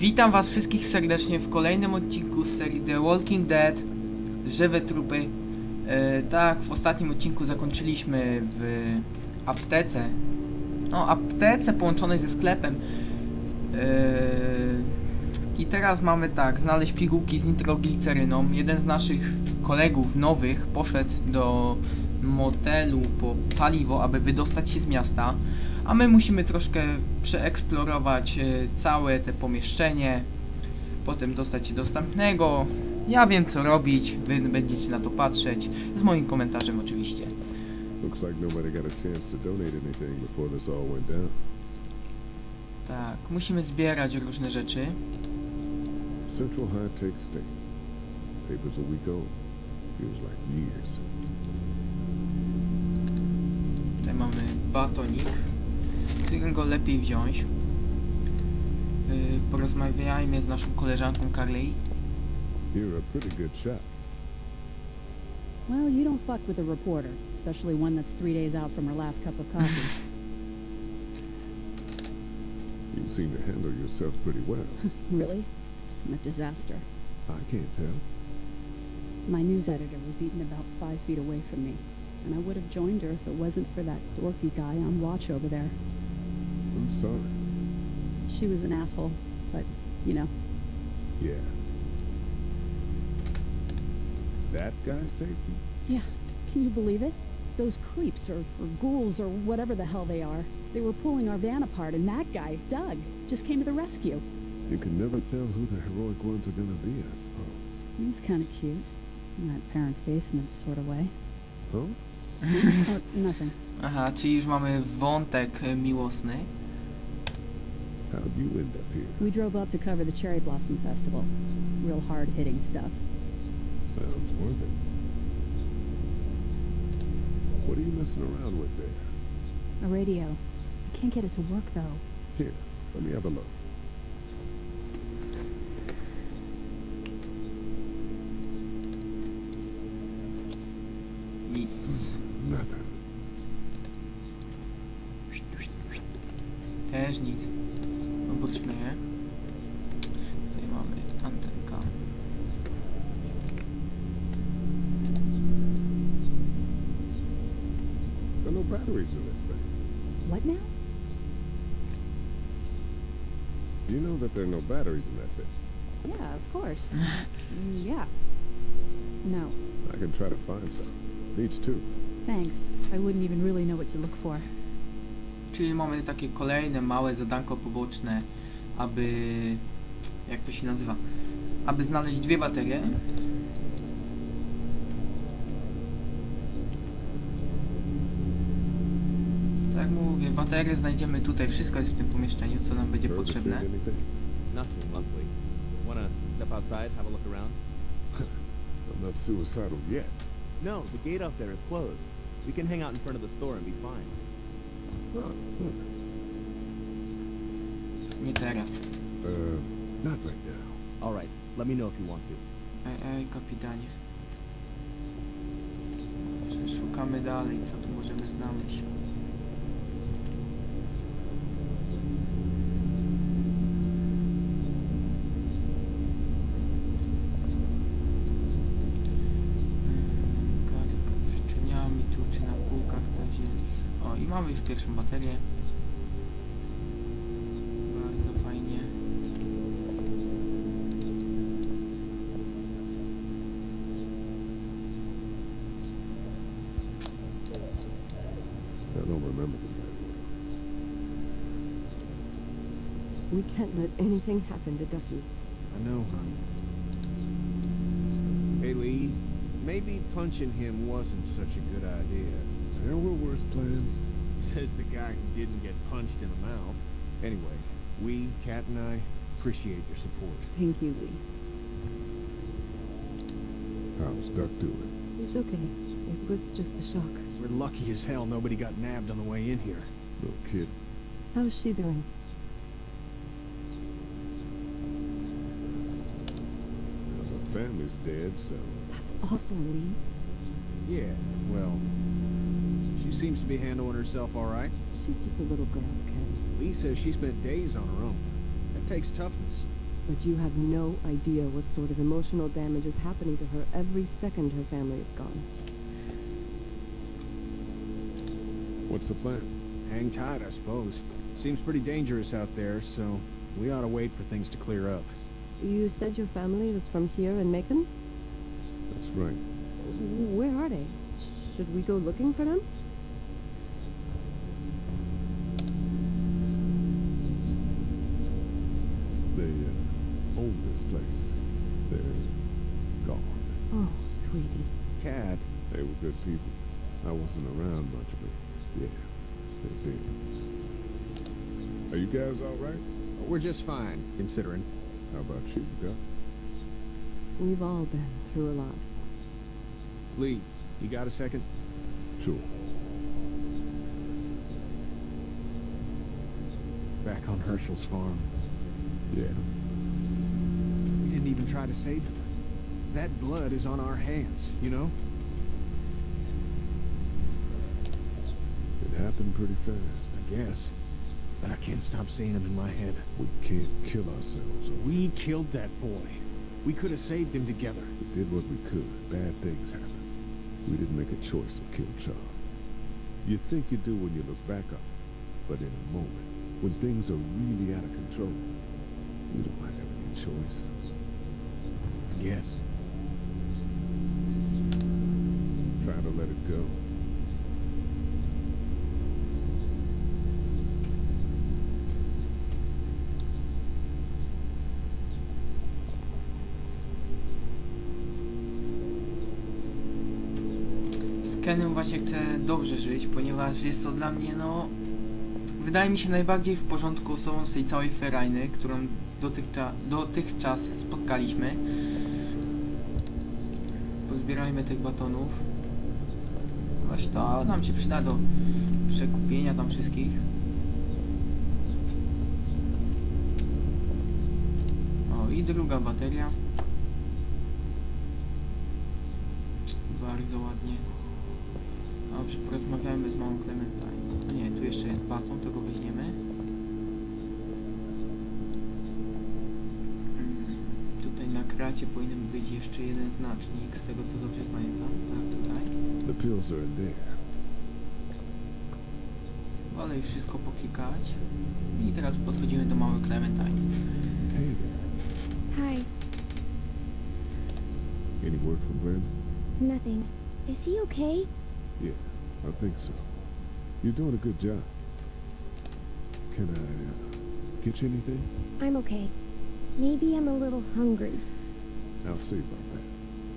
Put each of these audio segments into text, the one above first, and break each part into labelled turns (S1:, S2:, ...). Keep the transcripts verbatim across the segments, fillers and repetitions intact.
S1: Witam was wszystkich serdecznie w kolejnym odcinku z serii The Walking Dead Żywe trupy. e, Tak, w ostatnim odcinku zakończyliśmy w aptece. No, aptece połączonej ze sklepem. e, I teraz mamy tak, znaleźć pigułki z nitrogliceryną. Jeden z naszych kolegów nowych poszedł do motelu po paliwo, aby wydostać się z miasta. A my musimy troszkę przeeksplorować y, całe te pomieszczenie, potem dostać się do następnego. Ja wiem co robić, wy będziecie na to patrzeć, z moim komentarzem oczywiście.
S2: Looks like nobody got a chance to donate anything before this all went down.
S1: Tak, musimy zbierać różne rzeczy.
S2: Central High Tech State. Papers a week old. Feels like years.
S1: Tutaj mamy batonik, którego lepiej wziąć. Yy, porozmawiajmy z naszą koleżanką Carly.
S2: You're a pretty good shot.
S3: Well, you don't fuck with a reporter, especially one that's three days out from her last cup of coffee.
S2: You seem to handle yourself pretty well.
S3: Really? I'm a disaster.
S2: I can't tell.
S3: My news editor was eaten about five feet away from me, and I would have joined her if it wasn't for that dorky guy on watch over there.
S2: I'm sorry.
S3: She was an asshole, but, you know.
S2: Yeah. That guy saved you?
S3: Yeah, can you believe it? Those creeps, or, or ghouls, or whatever the hell they are, they were pulling our van apart, and that guy, Doug, just came to the rescue.
S2: You can never tell who the heroic ones are gonna be, I suppose.
S3: He's kind of cute, in that parents' basement sort of way.
S2: Huh?
S3: Oh, nothing.
S1: Aha, czyli już mamy wątek y, miłosny.
S2: How'd you end up here?
S3: We drove up to cover the Cherry Blossom Festival. Real hard-hitting stuff.
S2: Sounds worth it. What are you messing around with there?
S3: A radio. I can't get it to work, though.
S2: Here, let me have a look.
S1: Nic.
S2: Nothing.
S1: Też nic. Obróćmy je. Tutaj mamy antenka.
S2: There are no batteries in this thing.
S3: What now?
S2: You know that there are no batteries in that thing.
S3: Yeah, of course. Mm, yeah. No,
S2: I can try to find some. Needs two.
S3: thanks. I wouldn't even really know what to look for.
S1: Czyli mamy takie kolejne małe zadanko poboczne, aby... jak to się nazywa? Aby znaleźć dwie baterie. Tak jak mówię, baterie znajdziemy tutaj, wszystko jest w tym pomieszczeniu, co nam będzie
S2: Heard or
S1: potrzebne.
S2: seen anything?
S4: Nothing, luckily. Wanna step outside, have a look around?
S2: I'm not suicidal yet.
S4: No, the gate up there is closed. We can hang out in front of the store and be fine.
S2: Huh, huh.
S1: Nie teraz.
S2: Uh, not right now.
S4: All right, let me know if you want to.
S1: Ej, ej, kapitanie. Dobrze, szukamy dalej, co tu możemy znaleźć. Mm, Kartka z życzeniami, tu czy na półkach coś jest. O, i mamy już pierwszą baterię. Bardzo fajnie.
S2: I don't remember the bad word.
S5: We can't let anything happen to Ducky.
S6: I know, honey. Hey, Lee, maybe punching him wasn't such a good idea.
S2: There were worse plans.
S6: Says the guy who didn't get punched in the mouth. Anyway, we, Kat and I, appreciate your support.
S5: Thank you, Lee.
S2: How's Duck doing?
S5: He's okay. It was just a shock.
S6: We're lucky as hell nobody got nabbed on the way in here.
S2: No kid.
S5: How's she doing?
S2: Well, the family's dead, so...
S5: That's awful, Lee.
S6: Yeah, well, she seems to be handling herself all right.
S5: She's just a little girl, okay?
S6: Lee says she spent days on her own. That takes toughness.
S5: But you have no idea what sort of emotional damage is happening to her every second her family is gone.
S2: What's the plan?
S6: Hang tight, I suppose. Seems pretty dangerous out there, so we ought to wait for things to clear up.
S5: You said your family was from here in Macon?
S2: That's right.
S5: Where are they? Should we go looking for them?
S2: They uh, own this place. They're gone.
S5: Oh, sweetie.
S6: Cat,
S2: They were good people. I wasn't around much, but yeah, they're dead. Are you guys all right?
S6: we're just fine, considering.
S2: How about you, Doc?
S5: We've all been through a lot.
S6: Lee, you got a second?
S2: Sure.
S6: Back on Herschel's farm.
S2: Yeah.
S6: We didn't even try to save him. That blood is on our hands, you know?
S2: It happened pretty fast.
S6: I guess. But I can't stop seeing him in my head.
S2: We can't kill ourselves. Or
S6: We killed that boy. We could have saved him together.
S2: we did what we could. Bad things happen. We didn't make a choice to kill Charles. You think you do when you look back on it, but in a moment, when things are really out of control, you don't have any choice.
S6: I guess.
S2: Try to let it go.
S1: Z Kenem właśnie chcę dobrze żyć, ponieważ jest to dla mnie, no... Wydaje mi się najbardziej w porządku osobą z tej całej ferajny, którą dotychczas, dotychczas spotkaliśmy. Pozbierajmy tych batonów. Właśnie to nam się przyda do przekupienia tam wszystkich. O, i druga bateria. Bardzo ładnie. Dobrze, porozmawiajmy z małą Clementine. No nie, tu jeszcze jest baton, to go weźmiemy. Tutaj na kracie powinien być jeszcze jeden znacznik, z tego co dobrze pamiętam. Tak, tutaj.
S2: The pills are in there.
S1: Wolę już wszystko poklikać. I teraz podchodzimy do małej Clementine.
S2: Hey there.
S7: Hi.
S2: Any word from Glenn?
S7: Nothing. Is he okay?
S2: Yeah, I think so. You're doing a good job. Can I uh, get you anything?
S7: I'm okay. Maybe I'm a little hungry.
S2: I'll see about that.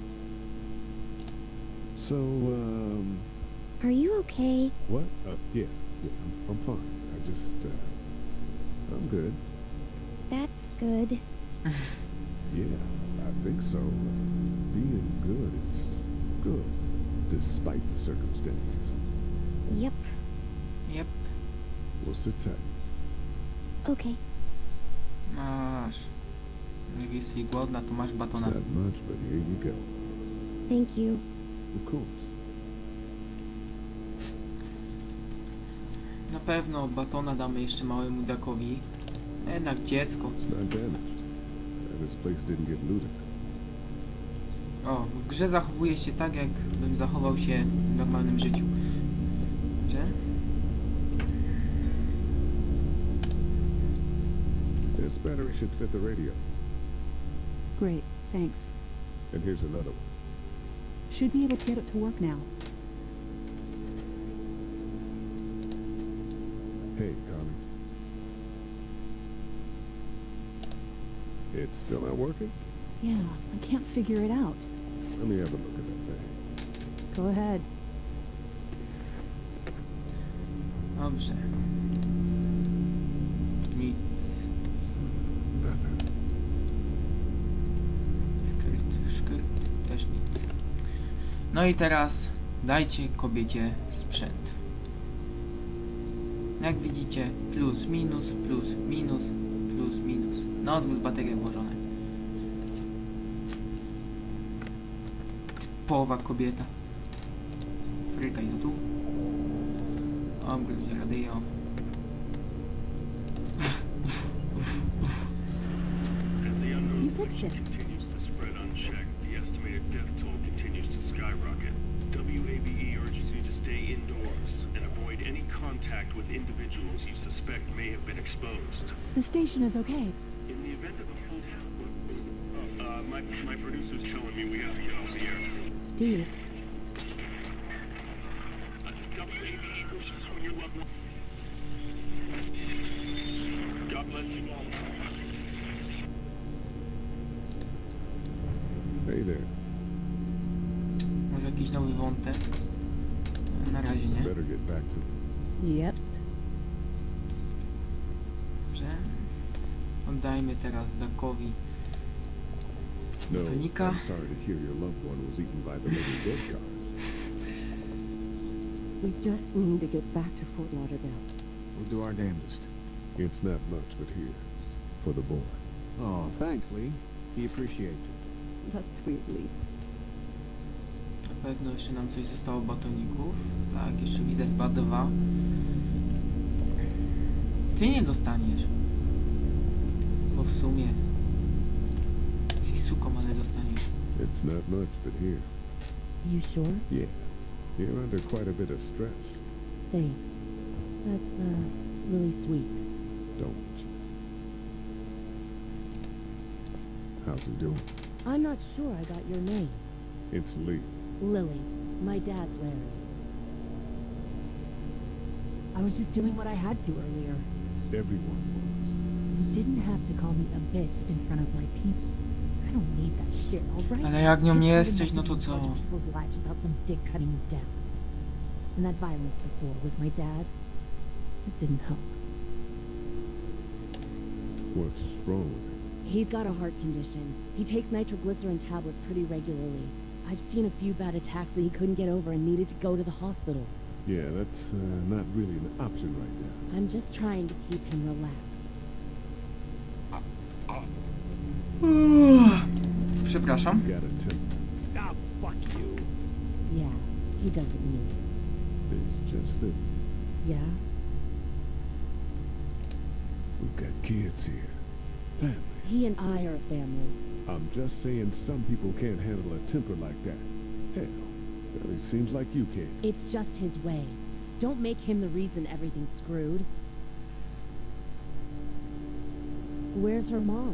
S2: So, um,
S7: Are you okay?
S2: what? Uh, yeah, yeah, I'm, I'm fine. I just, uh, I'm good.
S7: That's good.
S2: Yeah, I think so. Being good is good, despite the circumstances.
S7: Yep.
S1: Yep,
S2: We'll sit tight.
S7: Okay.
S1: masz. Jak jesteś głodna, to masz batona.
S2: Not much, but here you go.
S7: Thank you.
S2: Of course.
S1: Na pewno batona damy jeszcze małemu Duckowi. Jednak dziecko.
S2: It's not damaged. And this place didn't get looted.
S1: O, w grze zachowuje się tak, jakbym zachował się w normalnym życiu. Że?
S2: This battery should fit the radio.
S3: Great, thanks.
S2: And here's another one.
S3: Should be able to get it to work now.
S2: Hey, Connie. It's still not working?
S3: Yeah, I can't figure it out.
S2: Let me have a look at that thing.
S3: Go ahead.
S1: Dobrze. Nic.
S2: Nothing.
S1: Szkyrt, szkyrt, też nic. No i teraz dajcie kobiecie sprzęt. Jak widzicie, plus, minus, plus, minus, plus, minus. Na odwrót baterie włożone. Typowa kobieta. Frykaj na tu. Obróć radio.
S3: fixed it.
S8: Continues to spread unchecked. The estimated death toll continues to skyrocket. W A B E urges you to stay indoors and avoid any contact with individuals you suspect may have been exposed.
S3: The station is okay.
S8: In the event of a full... Uh, uh, my, my producer's telling me we have to get off the air.
S3: Steve,
S8: Uh, W A B E wishes for your loved one. God bless you all.
S2: Hey there.
S1: Może jakiś nowy wątek? Na razie nie.
S2: Better get back to it.
S3: yep.
S1: Dobrze. Oddajmy teraz Duckowi
S2: No,
S1: Tonika.
S2: I'm sorry to hear your loved one was eaten by the living dead guards.
S5: We just need to get back to Fort Lauderdale.
S6: We'll do our damnedest.
S2: It's not much, but here, for the boy.
S6: Oh, thanks, Lee. He appreciates it.
S5: That's sweet, Lee.
S1: Na pewno jeszcze nam coś zostało batoników. Tak, jeszcze widzę chyba dwa. Ty nie dostaniesz. Bo w sumie... Jesteś suką, ale dostaniesz.
S2: It's not much, but here.
S5: You sure?
S2: Yeah. You're under quite a bit of stress.
S5: Thanks. That's, uh, really sweet.
S2: Don't. How's he doing?
S5: I'm not sure I got your name.
S2: It's Lee.
S5: Lily. My dad's Larry.
S3: I was just doing what I had to earlier.
S2: Everyone was.
S3: You didn't have to call me a bitch in front of my people. I don't need that shit, alright?
S1: Ale jak nią nie
S3: It's
S1: jesteś, no
S3: hard
S1: to
S3: enough
S1: co?
S3: being in charge of people's lives without some dick cutting you down. And that violence before with my dad, it didn't help.
S2: What's wrong with him?
S5: He's got a heart condition. He takes nitroglycerin tablets pretty regularly. I've seen a few bad attacks that he couldn't get over and needed to go to the hospital.
S2: Yeah, that's uh, not really an option right now.
S5: I'm just trying to keep him relaxed.
S1: Przepraszam.
S2: Got a temper.
S6: Ah, fuck you.
S5: Yeah, he doesn't need it.
S2: It's just that
S5: Yeah?
S2: we've got kids here. Family.
S5: He and I are a family.
S2: I'm just saying some people can't handle a temper like that. Hell, well, it seems like you can.
S5: It's just his way. Don't make him the reason everything's screwed. Where's her mom?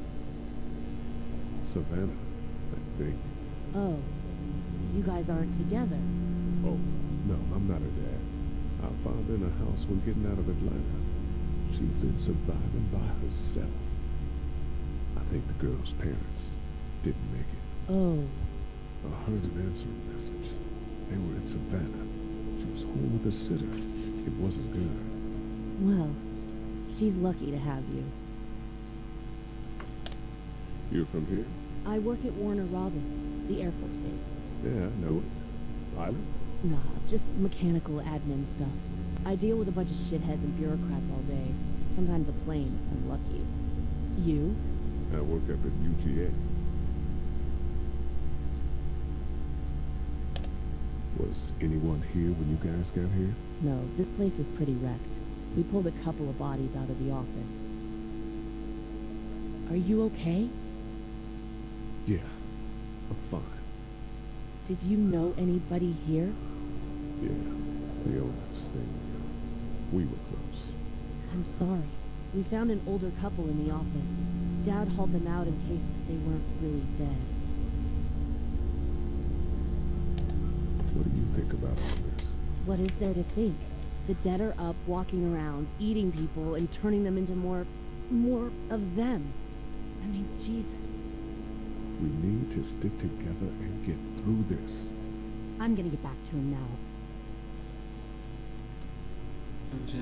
S2: Savannah, I think.
S5: Oh, you guys aren't together.
S2: Oh, no, I'm not her dad. I found her in a house when getting out of Atlanta. She's been surviving by herself. I think the girl's parents didn't make it.
S5: Oh,
S2: I heard an answering message. They were in Savannah. She was home with a sitter. It wasn't good.
S5: well, she's lucky to have you.
S2: You're from here?
S5: I work at Warner Robins, the Air Force base.
S2: Yeah, I know it. Pilot?
S5: Nah, just mechanical admin stuff. I deal with a bunch of shitheads and bureaucrats all day. Sometimes a plane, if I'm lucky. You?
S2: I work up at U G A. Was anyone here when you guys got here?
S5: No, this place was pretty wrecked. We pulled a couple of bodies out of the office. Are you okay?
S2: Yeah, I'm fine.
S5: Did you know anybody here?
S2: Yeah, the owners, they, uh, we were close.
S5: I'm sorry. We found an older couple in the office. Dad hauled them out in case they weren't really dead.
S2: What do you think about all this?
S5: What is there to think? The dead are up, walking around, eating people, and turning them into more... more of them. I mean, Jesus.
S2: We need to stick together and get through this.
S5: I'm gonna get back to him now.
S1: Dobrze.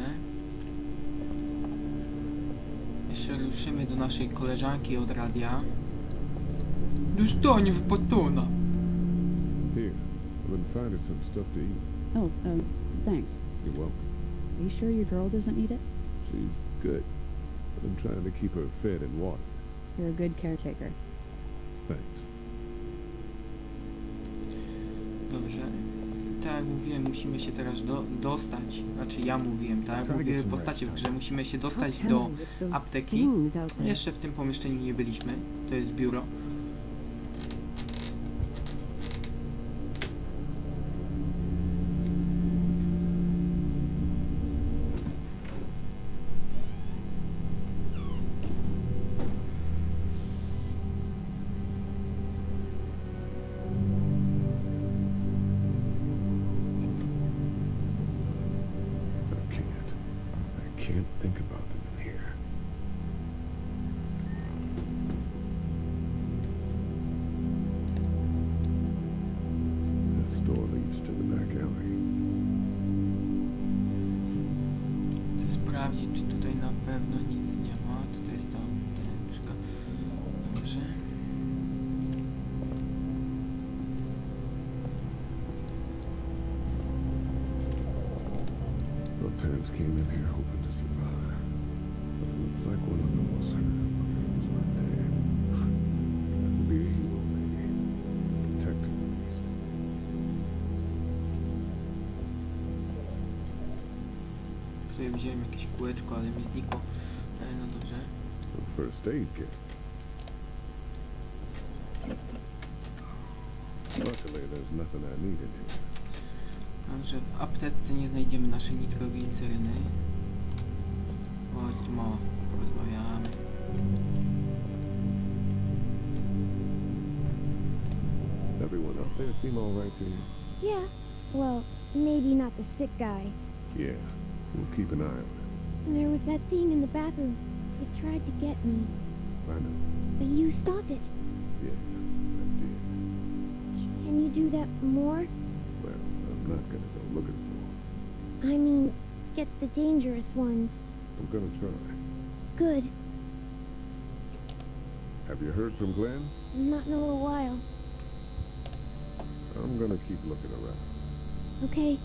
S1: Jeszcze ruszymy do naszej koleżanki od radia. Dostaniesz batona.
S2: Here, I've been finding some stuff to eat.
S3: Oh, um, thanks.
S2: You're welcome.
S3: Are you sure your girl doesn't need it?
S2: She's good. I've been trying to keep her fed and watered.
S3: You're a good caretaker.
S2: Thanks.
S1: Dobrze. tak jak mówiłem, musimy się teraz do, dostać. Znaczy ja mówiłem, tak jak mówiły postacie w grze, musimy się dostać do apteki. Jeszcze w tym pomieszczeniu nie byliśmy. To jest biuro.
S2: I can't. I can't think about them in here. This door leads to the back alley.
S1: Chcę sprawdzić, czy tutaj na pewno nic nie ma. Tutaj jest ta apteczka. Dobrze.
S2: My parents came in here hoping to survive. But it looks like one of them was hurt. It was my dad. Trying to be a hero, maybe. Protecting at least.
S1: Tutaj widziałem jakieś kółeczko, ale mi znikło. E, no dobrze.
S2: A first aid kit. Luckily, there's nothing I need in here.
S1: Także w aptece nie znajdziemy naszej nitrogliceryny. Chodź tu mała, porozmawiamy.
S2: Everyone out there seem all right to you?
S7: Yeah. Well, maybe not the sick guy.
S2: Yeah. We'll keep an eye on it.
S7: There was that thing in the bathroom. It tried to get me,
S2: I know.
S7: but you stopped it.
S2: Yeah, I did.
S7: Can you do that more?
S2: Well, I'm not gonna go looking for him.
S7: I mean, get the dangerous ones.
S2: I'm gonna try.
S7: Good.
S2: Have you heard from Glenn?
S7: Not in a little while.
S2: I'm gonna keep looking around.
S7: Okay.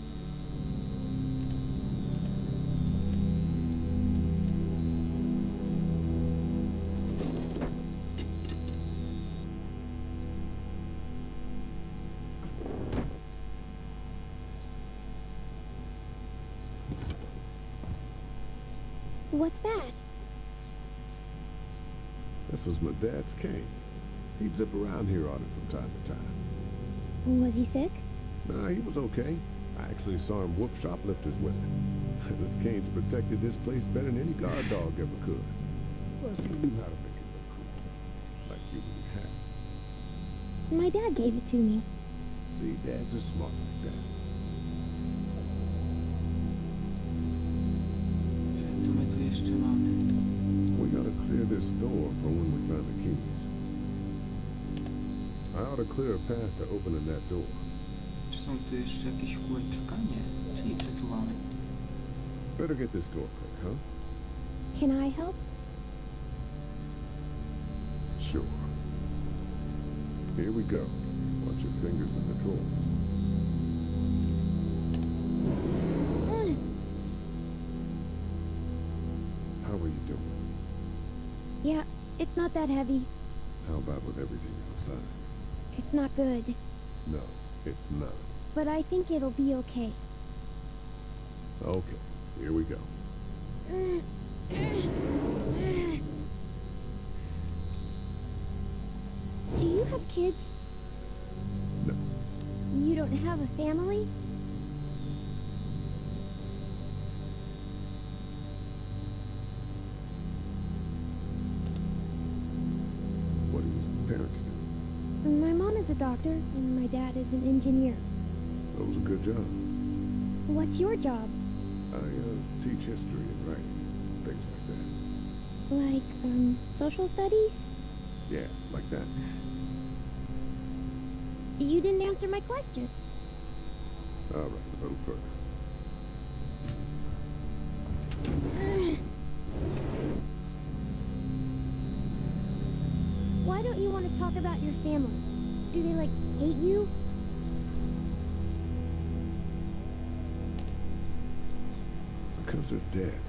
S7: What's that?
S2: This was my dad's cane. He'd zip around here on it from time to time.
S7: Was he sick?
S2: Nah, he was okay. I actually saw him whoop shoplifters with it. This cane's protected this place better than any guard dog ever could. Plus, he knew how to make it look cool. Like you really have.
S7: My dad gave it to me.
S2: See, dads are smart like that.
S1: Co my tu jeszcze mamy?
S2: We gotta clear this door for when we find the keys. I ought to clear a path to opening that door.
S1: Czy są tu jeszcze jakieś kółeczka? Nie. Czyli przesuwamy.
S2: Better get this door clear, huh?
S7: Can I help?
S2: Sure. Here we go. Watch your fingers and controls.
S7: Ugh.
S2: How are you doing?
S7: Yeah, it's not that heavy.
S2: How about with everything outside?
S7: It's not good,
S2: No, it's not.
S7: but I think it'll be okay.
S2: Okay, here we go.
S7: Do you have kids?
S2: No.
S7: You don't have a family?
S2: What do your parents do?
S7: My mom is a doctor, and my dad is an engineer.
S2: Those are good jobs.
S7: What's your job?
S2: I uh, teach history and writing, things like that.
S7: Like, um, social studies?
S2: Yeah, like that.
S7: You didn't answer my question.
S2: All right, a little further.
S7: Why don't you want to talk about your family? Do they, like, hate you?
S2: Because they're dead.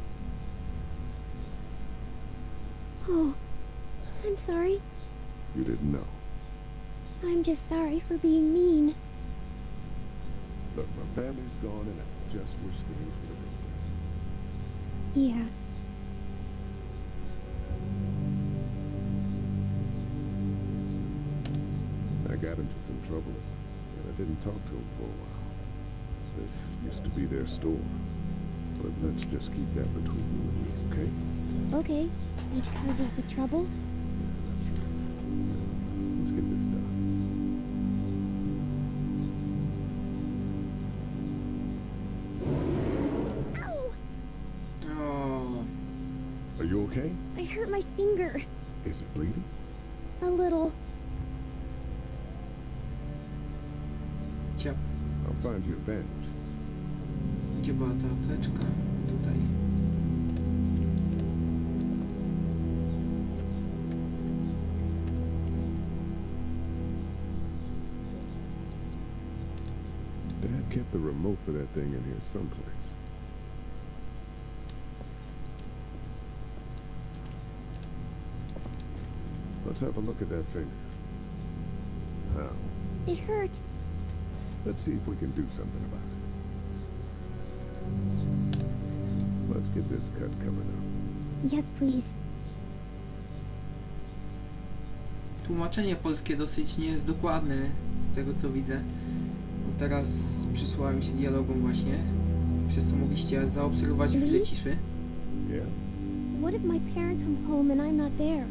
S7: Oh, I'm sorry.
S2: You didn't know.
S7: I'm just sorry for being mean.
S2: Look, my family's gone and I just wish things would have been better.
S7: Yeah.
S2: I got into some trouble, and I didn't talk to him for a while. This used to be their store, but let's just keep that between you and me, okay?
S7: Okay. Because of the trouble?
S2: Yeah, that's right. Let's get this done.
S7: Ow!
S1: O,
S2: Are you okay?
S7: I hurt my finger.
S2: Is it bleeding?
S7: A little.
S1: ciap.
S2: I'll find you a bandage.
S1: Gdzie była ta apteczka? Tutaj.
S2: Dad kept the remote for that thing in here someplace. Let's have a look at that finger. Now,
S7: It hurt.
S2: let's see if we can do something about it. Let's get this cut covered up.
S7: Yes, please.
S1: Tłumaczenie polskie dosyć nie jest dokładne, z tego co widzę. Bo teraz przysłałem się dialogom właśnie, przez co mogliście zaobserwować chwilę ciszy.
S2: Yeah?
S7: What if my parents come home and I'm not there?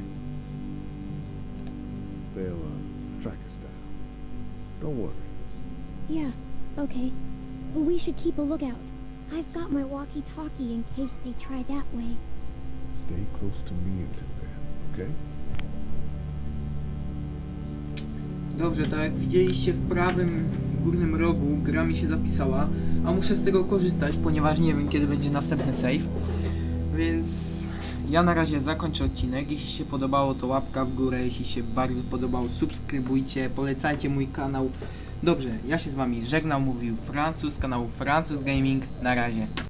S2: They'll, uh, track us down. Don't worry.
S7: Yeah, okay. But we should keep a lookout. I've got my walkie-talkie in case they try that way.
S2: Stay close to me until then, okay?
S1: Dobrze, tak jak widzieliście w prawym górnym rogu gra mi się zapisała, a muszę z tego korzystać, ponieważ nie wiem kiedy będzie następny save. Więc ja na razie zakończę odcinek. Jeśli się podobało, to łapka w górę, jeśli się bardzo podobało, subskrybujcie, polecajcie mój kanał. Dobrze, ja się z wami żegnam, mówił Francuz z kanału Francuz Gaming. Na razie.